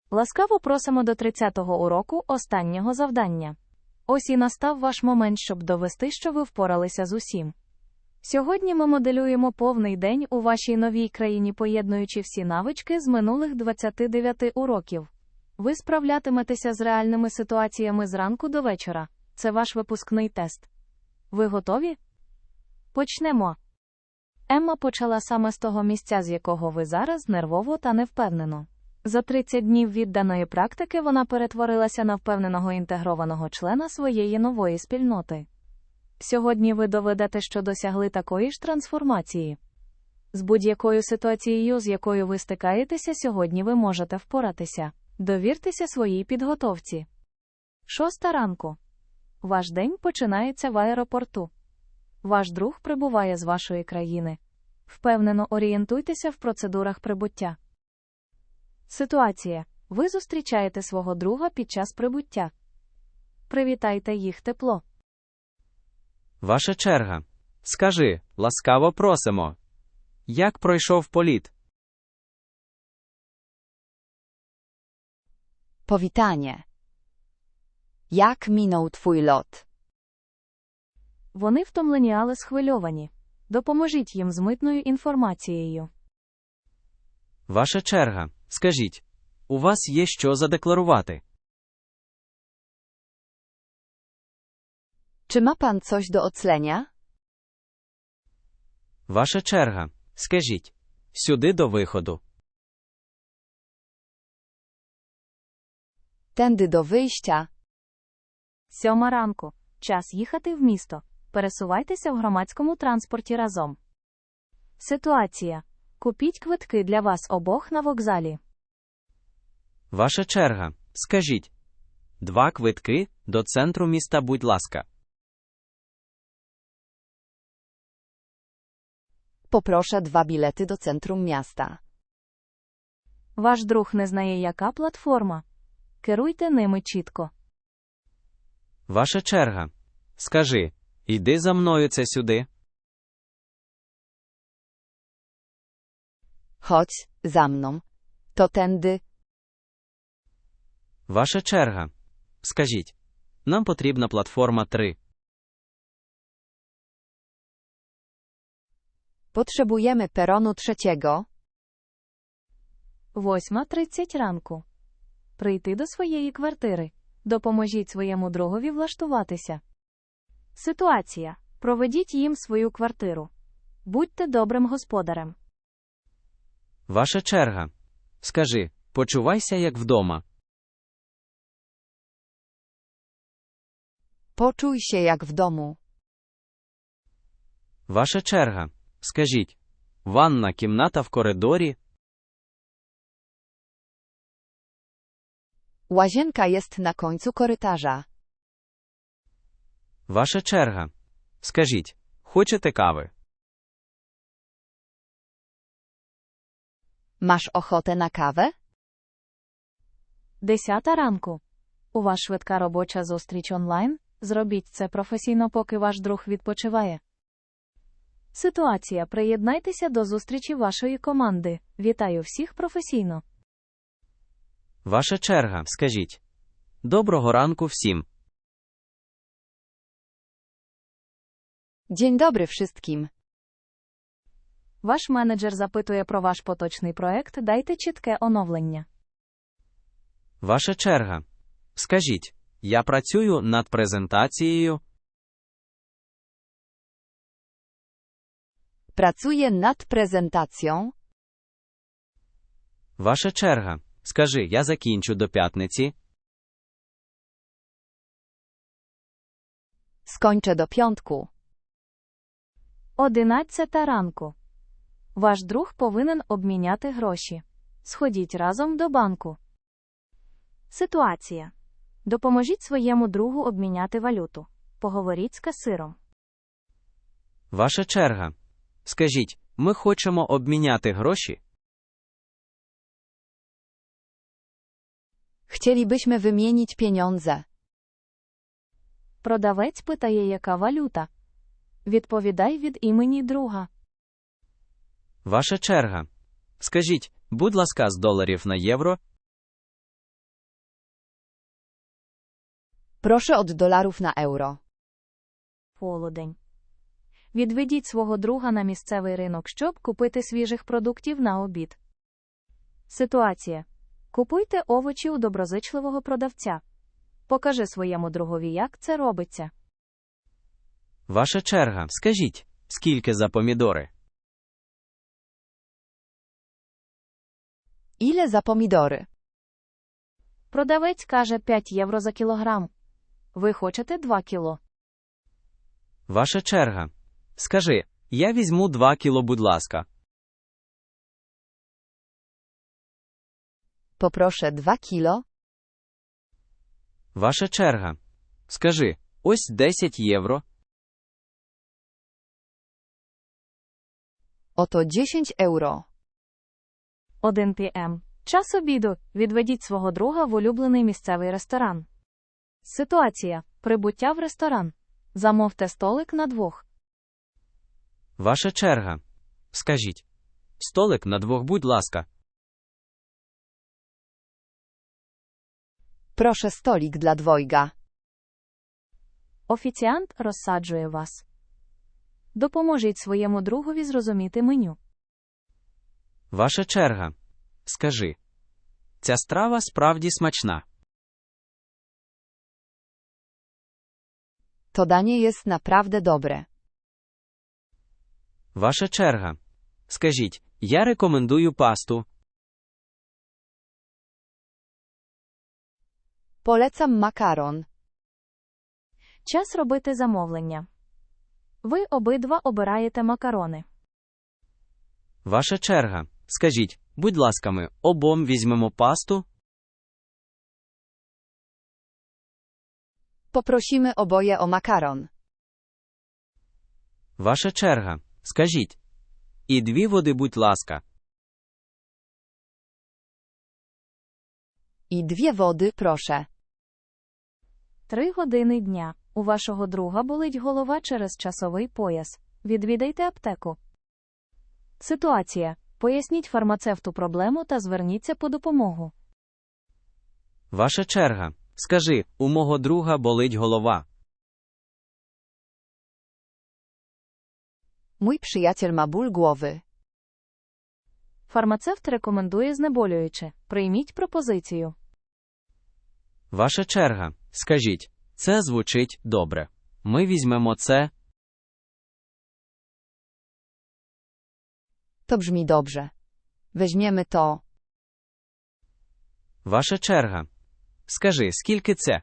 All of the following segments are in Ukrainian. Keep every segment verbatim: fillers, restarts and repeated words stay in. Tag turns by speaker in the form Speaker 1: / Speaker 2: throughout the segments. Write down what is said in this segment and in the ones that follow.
Speaker 1: Ласкаво просимо до тридцятого уроку останнього завдання. Ось і настав ваш момент, щоб довести, що ви впоралися з усім. Сьогодні ми моделюємо повний день у вашій новій країні, поєднуючи всі навички з минулих двадцяти дев'яти уроків. Ви справлятиметеся з реальними ситуаціями зранку до вечора. Це ваш випускний тест. Ви готові? Почнемо. Емма почала саме з того місця, з якого ви зараз, нервово та невпевнено. За тридцять днів відданої практики вона перетворилася на впевненого інтегрованого члена своєї нової спільноти. Сьогодні ви доведете, що досягли такої ж трансформації. З будь-якою ситуацією, з якою ви стикаєтеся, сьогодні ви можете впоратися. Довіртеся своїй підготовці. Шоста ранку. Ваш день починається в аеропорту. Ваш друг прибуває з вашої країни. Впевнено орієнтуйтеся в процедурах прибуття. Ситуація. Ви зустрічаєте свого друга під час прибуття. Привітайте їх тепло.
Speaker 2: Ваша черга. Скажи, ласкаво просимо. Як пройшов політ?
Speaker 3: Powitanie. Jak minął twój lot?
Speaker 1: Вони втомлені, але схвильовані. Допоможіть їм з митною інформацією.
Speaker 2: Ваша черга. Скажіть, у вас є що задекларувати?
Speaker 3: Czy ma pan coś do oclenia?
Speaker 2: Ваша черга. Скажіть, сюди до виходу.
Speaker 3: Tędy do wyjścia.
Speaker 1: Сьома ранку. Час їхати в місто. Пересувайтеся в громадському транспорті разом. Ситуація. Купіть квитки для вас обох на вокзалі.
Speaker 2: Ваша черга. Скажіть, два квитки до центру міста, будь ласка.
Speaker 3: Poproszę dwa bilety do centrum miasta.
Speaker 1: Ваш друг не знає, яка платформа. Керуйте ними чітко.
Speaker 2: Ваша черга. Скажи, йди за мною, це сюди.
Speaker 3: Chodź, za mną. To tędy.
Speaker 2: Ваша черга. Скажіть, нам потрібна платформа три.
Speaker 3: Potrzebujemy peronu trzeciego.
Speaker 1: Восьма тридцять ранку. Прийти до своєї квартири. Допоможіть своєму другові влаштуватися. Ситуація. Проведіть їм свою квартиру. Будьте добрим господарем.
Speaker 2: Ваша черга. Скажи, почувайся як вдома.
Speaker 3: Poczuj się jak w domu.
Speaker 2: Ваша черга. Скажіть, ванна кімната в коридорі.
Speaker 3: Łazienka jest na końcu korytarza.
Speaker 2: Ваша черга. Скажіть, хочете кави?
Speaker 3: Masz ochotę na kawę?
Speaker 1: Десята ранку. У вас швидка робоча зустріч онлайн? Зробіть це професійно, поки ваш друг відпочиває. Ситуація. Приєднайтеся до зустрічі вашої команди. Вітаю всіх професійно.
Speaker 2: Ваша черга. Скажіть, доброго ранку всім.
Speaker 3: Dzień dobry wszystkim.
Speaker 1: Ваш менеджер запитує про ваш поточний проект, дайте чітке оновлення.
Speaker 2: Ваша черга. Скажіть, я працюю над презентацією.
Speaker 3: Pracuję nad prezentacją.
Speaker 2: Ваша черга. Скажи, я закінчу до п'ятниці.
Speaker 3: Skończę do piątku.
Speaker 1: Одинадцята ранку. Ваш друг повинен обміняти гроші. Сходіть разом до банку. Ситуація. Допоможіть своєму другу обміняти валюту. Поговоріть з касиром.
Speaker 2: Ваша черга. Скажіть, ми хочемо обміняти гроші.
Speaker 3: Chcielibyśmy wymienić pieniądze.
Speaker 1: Продавець питає, яка валюта. Відповідай від імені друга.
Speaker 2: Ваша черга. Скажіть, будь ласка, з доларів на євро.
Speaker 3: Proszę od dolarów na euro.
Speaker 1: Полудень. Відведіть свого друга на місцевий ринок, щоб купити свіжих продуктів на обід. Ситуація. Купуйте овочі у доброзичливого продавця. Покажи своєму другові, як це робиться.
Speaker 2: Ваша черга. Скажіть, скільки за помідори?
Speaker 3: Ile za pomidory?
Speaker 1: Продавець каже п'ять євро за кілограм. Ви хочете два кіло?
Speaker 2: Ваша черга. Скажи, я візьму два кіло, будь ласка.
Speaker 3: Poproszę dwa kilo.
Speaker 2: Ваша черга. Скажи, ось десять євро.
Speaker 3: Oto dziesięć euro.
Speaker 1: один пі ем. Час обіду. Відведіть свого друга в улюблений місцевий ресторан. Ситуація. Прибуття в ресторан. Замовте столик на двох.
Speaker 2: Ваша черга. Скажіть. Столик на двох, будь ласка.
Speaker 3: Proszę stolik dla dwojga.
Speaker 1: Офіціант розсаджує вас. Допоможіть своєму другові зрозуміти меню.
Speaker 2: Ваша черга. Скажи. Ця страва справді смачна.
Speaker 3: To danie jest naprawdę dobre.
Speaker 2: Ваша черга. Скажіть, я рекомендую пасту.
Speaker 3: Polecam makaron.
Speaker 1: Час робити замовлення. Ви обидва обираєте макарони.
Speaker 2: Ваша черга. Скажіть, будь ласка, ми обом візьмемо пасту.
Speaker 3: Poprosimy oboje o makaron.
Speaker 2: Ваша черга. Скажіть. І дві води, будь ласка.
Speaker 3: I dwie wody, proszę.
Speaker 1: Три години дня. У вашого друга болить голова через часовий пояс. Відвідайте аптеку. Ситуація. Поясніть фармацевту проблему та зверніться по допомогу.
Speaker 2: Ваша черга. Скажи, у мого друга болить голова.
Speaker 3: Mój przyjaciel ma ból głowy.
Speaker 1: Фармацевт рекомендує знеболююче. Прийміть пропозицію.
Speaker 2: Ваша черга. Скажіть, це звучить добре. Ми візьмемо це.
Speaker 3: To brzmi dobrze. Weźmiemy to.
Speaker 2: Ваша черга. Скажи, скільки це?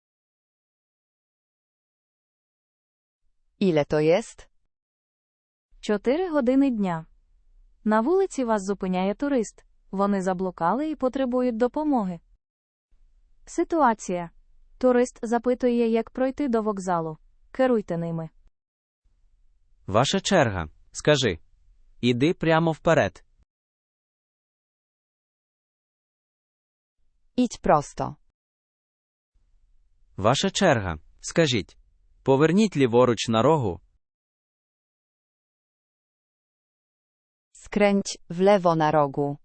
Speaker 3: Ile to jest?
Speaker 1: Чотири години дня. На вулиці вас зупиняє турист. Вони заблукали і потребують допомоги. Ситуація. Турист запитує, як пройти до вокзалу. Керуйте ними.
Speaker 2: Ваша черга. Скажи. Іди прямо вперед.
Speaker 3: Idź prosto.
Speaker 2: Ваша черга. Скажіть. Поверніть ліворуч на рогу.
Speaker 3: Skręć w lewo na rogu.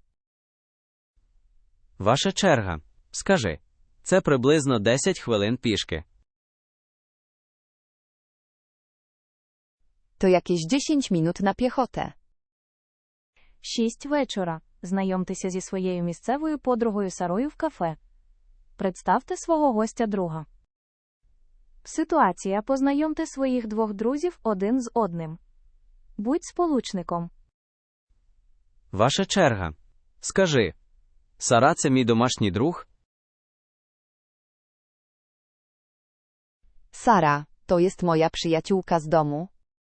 Speaker 2: Ваша черга. Скажи. Це приблизно десять хвилин пішки.
Speaker 3: To jakieś dziesięć minut na piechotę.
Speaker 1: Шість вечора. Знайомтеся зі своєю місцевою подругою Сарою в кафе. Представте свого гостя друга. Ситуація. Познайомте своїх двох друзів один з одним. Будь сполучником.
Speaker 2: Ваша черга. Скажи. Сара – це мій домашній друг?
Speaker 3: Sara, to jest moja przyjaciółka z domu.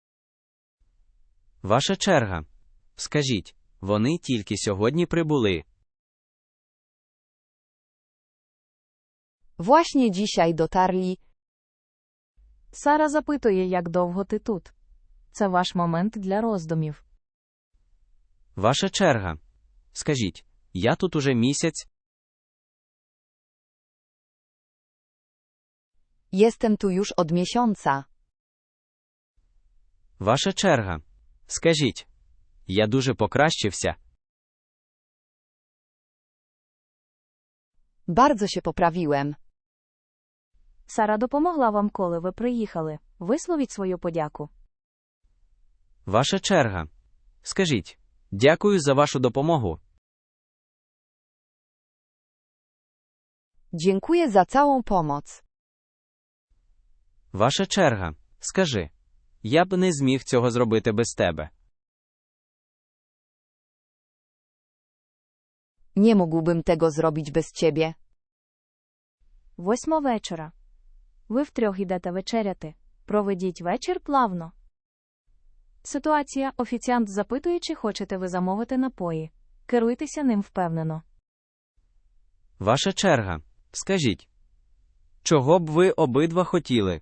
Speaker 2: Ваша черга. Скажіть. Вони тільки сьогодні прибули.
Speaker 3: Właśnie dzisiaj dotarli.
Speaker 1: Сара запитує, як довго ти тут. Це ваш момент для роздумів.
Speaker 2: Ваша черга. Скажіть. Я тут уже місяць.
Speaker 3: Jestem tu już od miesiąca.
Speaker 2: Ваша черга. Скажіть. Я дуже покращився.
Speaker 3: Bardzo się poprawiłem.
Speaker 1: Сара допомогла вам, коли ви приїхали. Висловіть свою подяку.
Speaker 2: Ваша черга. Скажіть, дякую за вашу допомогу.
Speaker 3: Dziękuję za całą pomoc.
Speaker 2: Ваша черга. Скажи, я б не зміг цього зробити без тебе.
Speaker 3: Nie mógłbym tego zrobić bez ciebie.
Speaker 1: Восьма вечора. Ви втрьох йдете вечеряти. Проведіть вечір плавно. Ситуація. Офіціант запитує, чи хочете ви замовити напої. Керуйтеся ним впевнено.
Speaker 2: Ваша черга. Скажіть, чого б ви обидва хотіли?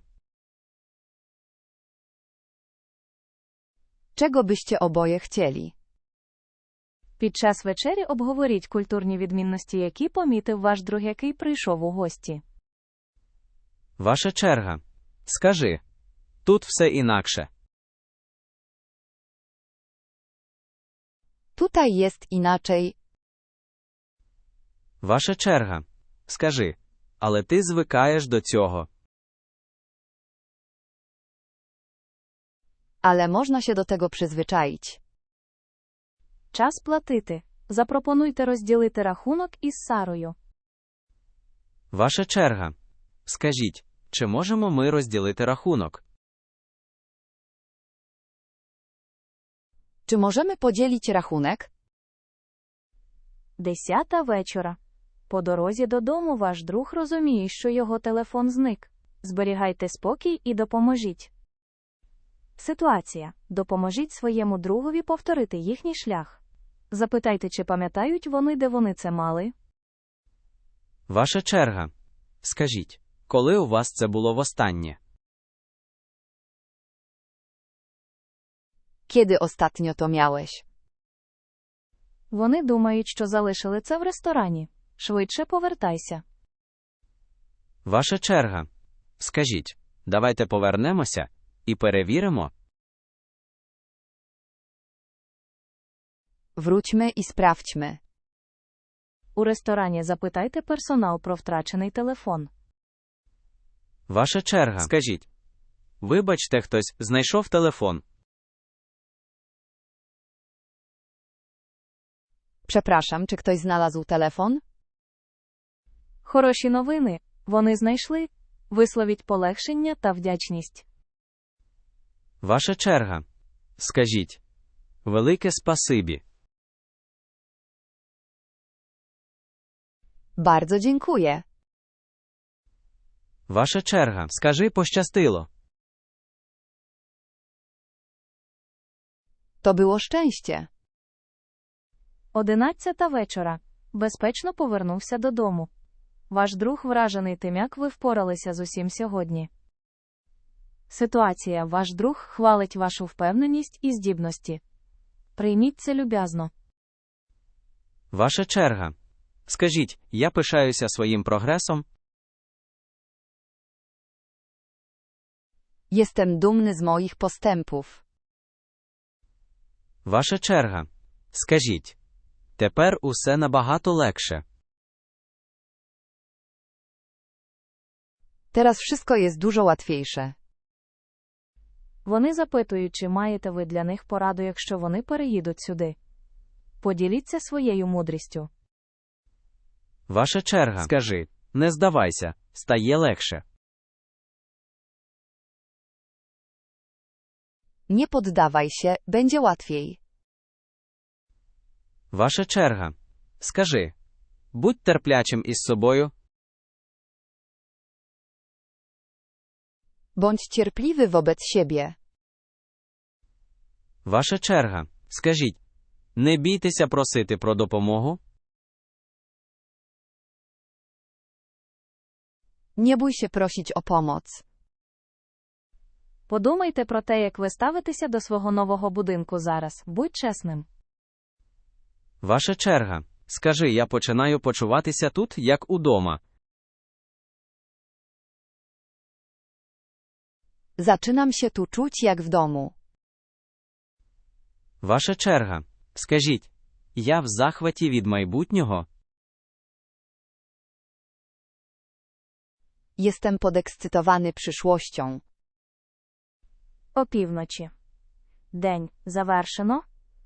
Speaker 3: Czego byście oboje chcieli?
Speaker 1: Під час вечері обговоріть культурні відмінності, які помітив ваш друг, який прийшов у гості.
Speaker 2: Ваша черга. Скажи, тут все інакше.
Speaker 3: Tutaj jest inaczej.
Speaker 2: Ваша черга. Скажи, але ти звикаєш до цього.
Speaker 3: Ale można się do tego przyzwyczaić.
Speaker 1: Час платити. Запропонуйте розділити рахунок із Сарою.
Speaker 2: Ваша черга. Скажіть, чи можемо ми розділити рахунок?
Speaker 3: Czy możemy podzielić rachunek?
Speaker 1: Десята вечора. По дорозі додому ваш друг розуміє, що його телефон зник. Зберігайте спокій і допоможіть. Ситуація. Допоможіть своєму другові повторити їхній шлях. Запитайте, чи пам'ятають вони, де вони це мали.
Speaker 2: Ваша черга. Скажіть, коли у вас це було востаннє?
Speaker 3: Kiedy ostatnio to miałeś?
Speaker 1: Вони думають, що залишили це в ресторані. Швидше повертайся.
Speaker 2: Ваша черга. Скажіть, давайте повернемося і перевіримо.
Speaker 3: Wróćmy i sprawdźmy.
Speaker 1: У ресторані запитайте персонал про втрачений телефон.
Speaker 2: Ваша черга. Скажіть, вибачте, хтось знайшов телефон.
Speaker 3: Przepraszam, czy ktoś znalazł telefon?
Speaker 1: Хороші новини. Вони знайшли. Висловіть полегшення та вдячність.
Speaker 2: Ваша черга. Скажіть, велике спасибі.
Speaker 3: Bardzo dziękuję.
Speaker 2: Ваша черга. Скажи, пощастило.
Speaker 3: To było szczęście.
Speaker 1: Одинадцята вечора. Безпечно повернувся додому. Ваш друг вражений тим, як ви впоралися з усім сьогодні. Ситуація. Ваш друг хвалить вашу впевненість і здібності. Прийміть це люб'язно.
Speaker 2: Ваша черга. Скажіть, я пишаюся своїм прогресом.
Speaker 3: Jestem dumny z moich postępów.
Speaker 2: Ваша черга. Скажіть, тепер усе набагато легше.
Speaker 3: Teraz wszystko jest dużo łatwiejsze.
Speaker 1: Вони запитують, чи маєте ви для них пораду, якщо вони переїдуть сюди. Поділіться своєю мудрістю.
Speaker 2: Ваша черга. Скажи, не здавайся, стає легше.
Speaker 3: Nie poddawaj się, będzie łatwiej.
Speaker 2: Ваша черга. Скажи, будь терплячим із собою.
Speaker 3: Bądź cierpliwy wobec siebie.
Speaker 2: Ваша черга. Скажіть, не бійтеся просити про допомогу.
Speaker 3: Nie bój się prosić o pomoc.
Speaker 1: Подумайте про те, як ви ставитеся до свого нового будинку зараз. Будь чесним.
Speaker 2: Ваша черга. Скажи, я починаю почуватися тут, як удома.
Speaker 3: Zaczynam się tu czuć jak w domu.
Speaker 2: Ваша черга. Скажіть, я в захваті від майбутнього.
Speaker 3: Jestem podekscytowany przyszłością.
Speaker 1: Опівночі. День завершено.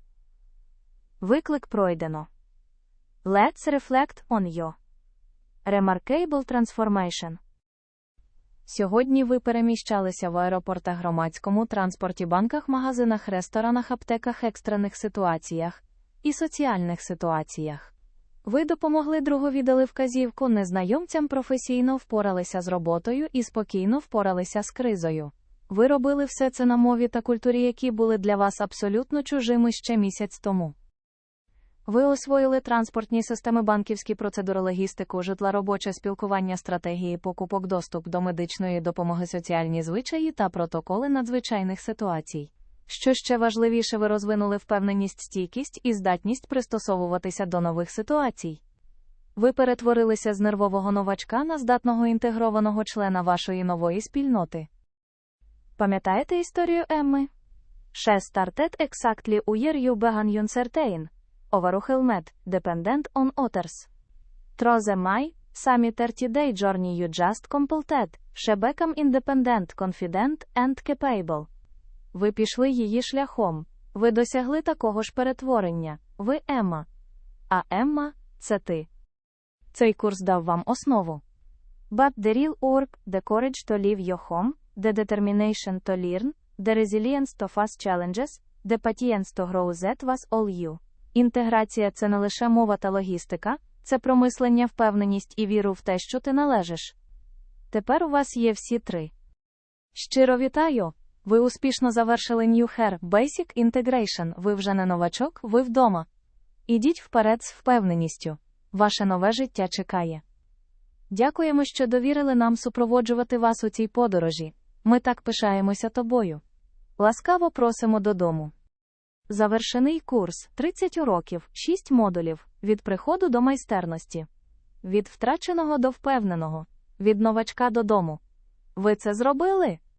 Speaker 1: Виклик пройдено. Let's reflect on your remarkable transformation. Сьогодні ви переміщалися в аеропортах, громадському транспорті, банках, магазинах, ресторанах, аптеках, екстрених ситуаціях і соціальних ситуаціях. Ви допомогли другові, дали вказівку, незнайомцям професійно впоралися з роботою і спокійно впоралися з кризою. Ви робили все це на мові та культурі, які були для вас абсолютно чужими ще місяць тому. Ви освоїли транспортні системи, банківські процедури, логістику, житла, робоче спілкування, стратегії покупок, доступ до медичної допомоги, соціальні звичаї та протоколи надзвичайних ситуацій. Що ще важливіше, ви розвинули впевненість, стійкість і здатність пристосовуватися до нових ситуацій. Ви перетворилися з нервового новачка на здатного інтегрованого члена вашої нової спільноти. Пам'ятаєте історію Емми? She started exactly where you began uncertain. Overwhelmed, dependent on others. Through the my, sami thirty-day journey you just completed, she became independent, confident and capable. Ви пішли її шляхом. Ви досягли такого ж перетворення. Ви Емма. А Емма – це ти. Цей курс дав вам основу. But the real work, the courage to leave your home, the determination to learn, the resilience to face challenges, the patience to grow, that was all you. Інтеграція – це не лише мова та логістика, це про мислення, впевненість і віру в те, що ти належиш. Тепер у вас є всі три. Щиро вітаю! Ви успішно завершили New Hair Basic Integration, ви вже не новачок, ви вдома. Ідіть вперед з впевненістю. Ваше нове життя чекає. Дякуємо, що довірили нам супроводжувати вас у цій подорожі. Ми так пишаємося тобою. Ласкаво просимо додому. Завершений курс. тридцять уроків, шість модулів. Від приходу до майстерності. Від втраченого до впевненого. Від новачка додому. Ви це зробили?